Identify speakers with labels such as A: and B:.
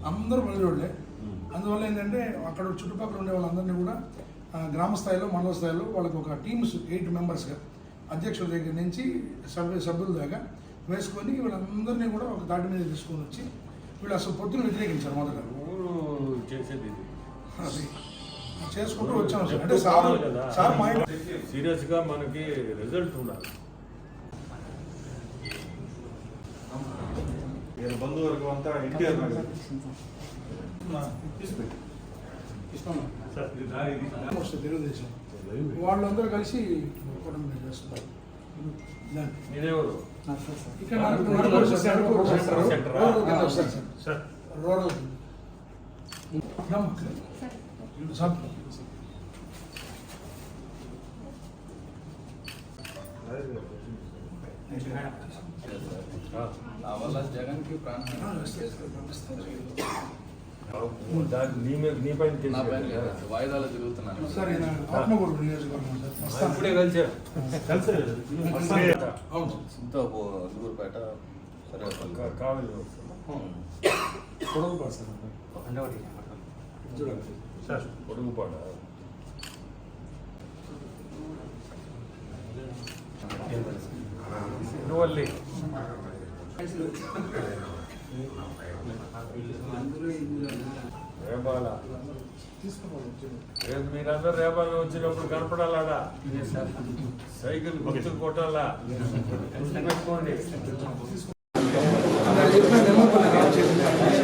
A: అందరూ పల్లెటూళ్ళే. అందువల్ల ఏంటంటే అక్కడ చుట్టుపక్కల ఉండే వాళ్ళందరినీ కూడా గ్రామ స్థాయిలో మండల స్థాయిలో వాళ్ళకి ఒక టీమ్స్ 8 మెంబర్స్గా అధ్యక్షుల దగ్గర నుంచి సభ్యుల దాకా వేసుకొని వీళ్ళందరినీ కూడా ఒక దాటి మీద తీసుకొని వచ్చి వీళ్ళు అసలు పొత్తులు వ్యతిరేకించారు మొదట
B: చేసేది
A: చేసుకుంటూ వచ్చాం. అంటే సార్ మైండ్
B: సీరియస్గా మనకి రిజల్ట్ ఉండాలి.
C: బంధువర్గం అంతా ఎన్టీఆర్
A: తెలుగుదేశం వాళ్ళందరూ కలిసి చేస్తున్నారు. ఇక్కడ రూరల్
D: వల్ల జగన్ కి వాయిదాలు తిరుగుతున్నాను
A: సార్. ఆత్మకూరు నియోజకవర్గం
B: ఇప్పుడే కలిసారు.
D: గురుపేట సరే
B: కావాలి సార్. పొడుగుపాట నువ్వల్లి రేపాల రేపు మీరందరూ రేపాల వచ్చినప్పుడు కనపడాలాడా సైకిల్ గుర్తులు కొట్టాలా పెట్టుకోండి.